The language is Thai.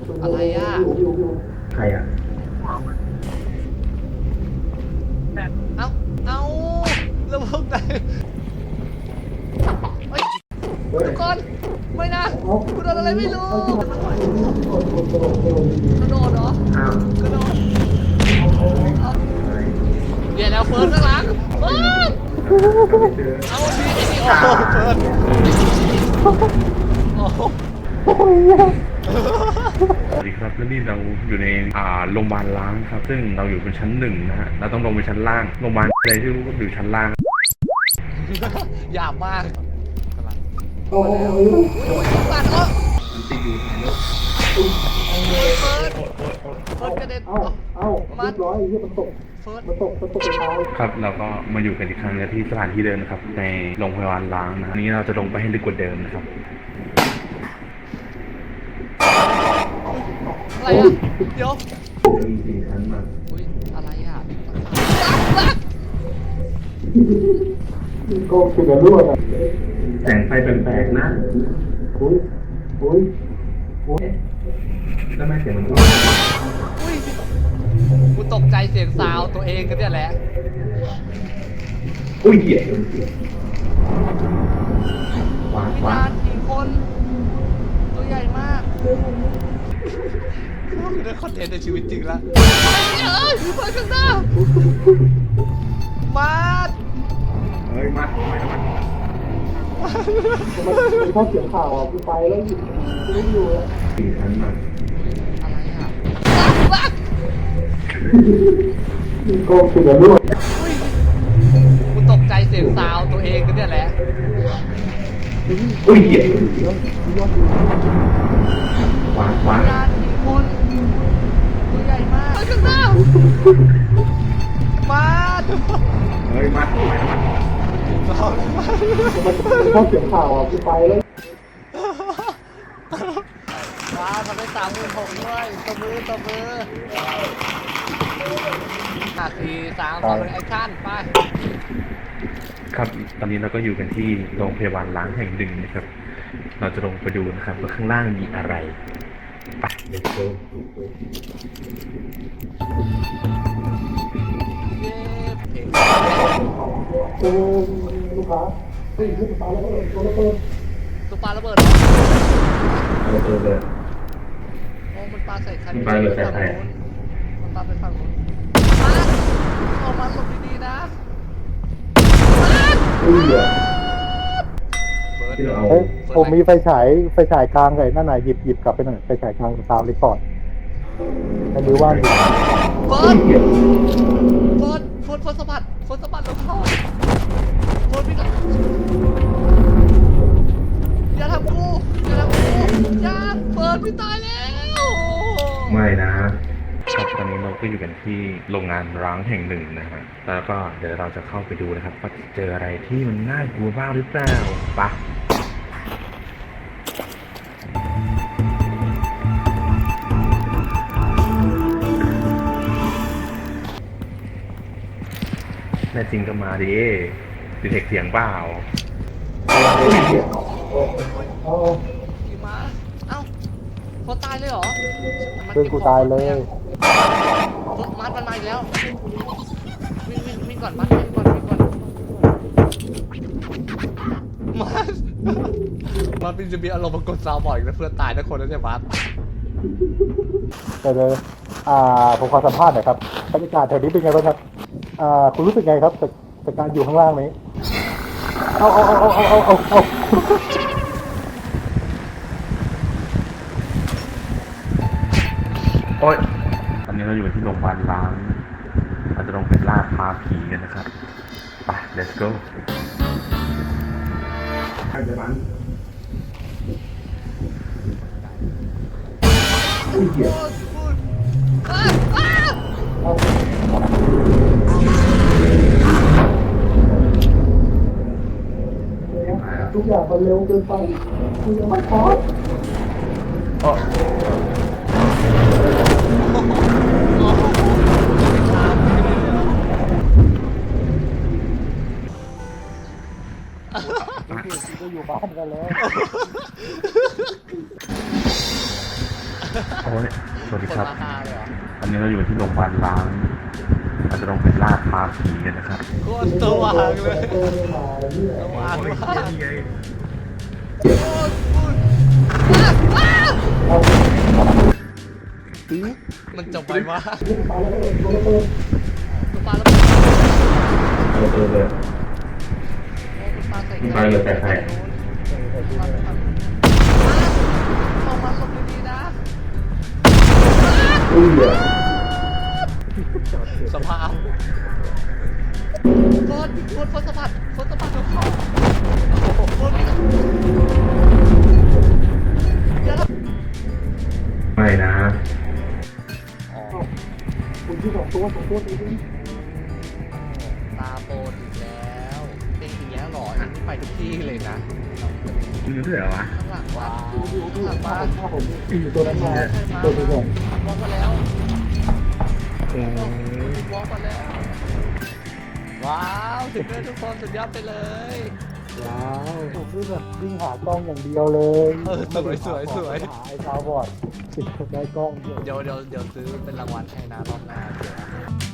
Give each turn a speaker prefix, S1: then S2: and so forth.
S1: อะไรอ่ะ
S2: ใครอ่ะ
S1: เอาแล้วพวกไหนเฮ้ยทุกคนไม่นะกูโดนอะไรไม่รู้กระโดดเหรอ
S2: อ้าว
S1: กระโดดเดี๋ยวแล้วเฟิร์นข้างหลังเฟิร์นเอาดีโอ้โหเฟิร์นโอ้โห
S2: สวัสดีครับแล้วนี่เราอยู่ในโรงพยาบาลล้างครับซึ่งเราอยู่บนชั้น1นะฮะเราต้องลงไปชั้นล่างโรงพยาบาลอะไรที่รู้ก็อยู่ชั้นล่าง
S1: หยาบมากโอ้ยตัดแล้ว
S2: ติดอยู่ในรถ
S1: เฟิร์นกระเด็นมัดร้อยที่มันตกเฟิร์น
S2: ครับเราก็มาอยู่กันอีกครั้งที่สถานที่เดิมนะครับในโรงพยาบาลล้างนะนี้เราจะลงไปให้ลึกกว่าเดิมนะครับ
S1: อะไรอ่ะเดี๋ยว
S2: มีสี่ชั้นมา
S1: อุ้ยอะไรอ่ะ
S3: โกงคือรั่วอ่ะ
S2: แสงไฟแปลกๆนะ
S3: อุ้ย
S2: แล้วไม่เสียงมันพูด
S1: อุ้ยกูตกใจเสียงซาวตัวเองกันเนี่ยแหละ
S2: อุ้ยเหี้ยขวา
S1: วิ
S2: ขวา
S1: ญญาณกี่คนตัวใหญ่มากคือได้คอนเทนต์ในชีวิตจริงแล้วเอ้ยไปข้างหน้ามาด
S2: เฮ้ยมาไม่มา
S3: มันถ้าเสียงข่าวอ่ะกูไปแล้วไม่อยู่แล้ว
S2: สี่ชั้นมา
S1: อะไรอ่ะ
S3: โกงคือรั่ว
S1: อุ้ยกูตกใจเสียงซาวตัวเองกันเนี่ยแหละ
S2: อุ้ยเหี้ยขวาขวา
S1: วิญญาณกี่คนตัวใหญ่มากไปข้างหน้ามาด
S2: เฮ้ยมาไม่มา
S3: มันถ้าเสียงข่าวอ่ะกูไปแล้ว
S1: มาทำได้36,000ด้วยตบมือ4 3 2 1แอคชั่นไป
S2: ครับตอนนี้เราก็อยู่กันที่โรงพยาบาลล้างแห่งหนึ่งนะครับเราจะลงไปดูนะครับว่าข้างล่างมีอะไรไป let's go
S1: เย้เพลง
S3: เออลูกค้าเฮ้ยลูกค้าแล้วตัวระเบิด
S1: ตัวปลาระเบิดเหรอ
S2: เราเจอเลย
S1: โอ้มันปลาใส่คัน
S2: มันปลาระเบิดใส่ใคร
S1: มันปลาไปฝั่งนู้นมาออกมาหลบดีๆนะ
S3: อุ้ยอ่ะ
S2: ที่เราเอา
S3: เฮ้ยผมมีไฟฉายกลางไงนั่นน่ะหยิบกลับไปหน่อยไฟฉายกลางตามรีพอร์ตให้มือว่างอยู่
S1: เฟิร์นสะบัดลงท่อเฟิร์นพี่ก่อนอย่าทำกูอย่าเฟิร์นพี่ตายแล้ว
S2: ไม่นะครับตอนนี้เราก็อยู่กันที่โรงงานร้างแห่งหนึ่งนะฮะแล้วก็เดี๋ยวเราจะเข้าไปดูนะครับว่าจะเจออะไรที่มันน่ากลัวบ้างหรือเปล่าไปะแน่จริงก็มาดิดีเทคเสียงเปล่า
S3: เอา
S1: ขี่ม้าเอ้าคนตายเลยเหรอ
S3: เพื่อนกูตายเลย
S1: มัดมันมาอีกแล้ววิ่งก่อนมัดวิ่งก่อนมัดเป็นจะมีอารมณ์มากดซาวบ่อยแล้วเพื่อนตายทุกคนแล้วเนี่ยมัด
S3: แต่เลยผมขอสัมภาษณ์หน่อยครับบรรยากาศแถวนี้เป็นไงบ้างครับคุณรู้สึกไงครับจากการอยู่ข้างล่างนี้เอา
S2: โอ๊ยตอนนี้เราอยู่ที่โรงพยาบาลล้างเราจะลงไปล่าท้าผีกันนะครับไป let's go ใครจะมันอุ้ยเหี้ย
S3: ทุกอย่างมันเร็วเกินไปคุณยังไม่พอ ก็อยู่บ้านกันแล้ว
S2: โอ้ยสวัสดี
S1: คน
S2: ครับ
S1: มาหาเลยเหรอ
S2: อันนี้เราอยู่ที่โรงพยาบาลล้างเราจะลงไปล่าท้าผีกันนะครับ
S1: โคตรสว่างเลยสว่างมากโอ้ยมันจบไปมากคุณปาแล้ว
S2: เลย
S1: คุณปาใส่
S2: ไปเลยไปใคร
S1: เข้ามาหลบดีๆนะ สภาพโคตรสะบัดทุกข้อโคตรไม่ต้องเดี๋ยวนะ
S2: ไม่นะ
S1: อ๋อ
S3: คุณที่2 ตัวตีดิ
S1: ตาโปนอีกแล้วเป็นอย่างเงี้ยหรออันนี้ไปทุกที่เลยนะ
S2: มึงรู้ด้วยเหรอวะ
S1: ข้างหลังว้าวข้างหลังบ้าน
S3: ถ้าผมอยู่ตัวนั้นมาตัวที่2
S1: วอล์กมาแล้ว
S2: โอ้
S1: วอล์กมาแล้ว ว้าวถึงด้วยทุกคนสุดยอดไปเลย
S3: ว้าวผมนี่แบบวิ่งหากล้องอย่างเดียวเลย
S1: สวย
S3: หาไอ้ซาวบอร์ดได้กล้องเดียว
S1: เดี๋ยวซื้อเป็นรางวัลให้นะรอบหน้าเดี๋ยว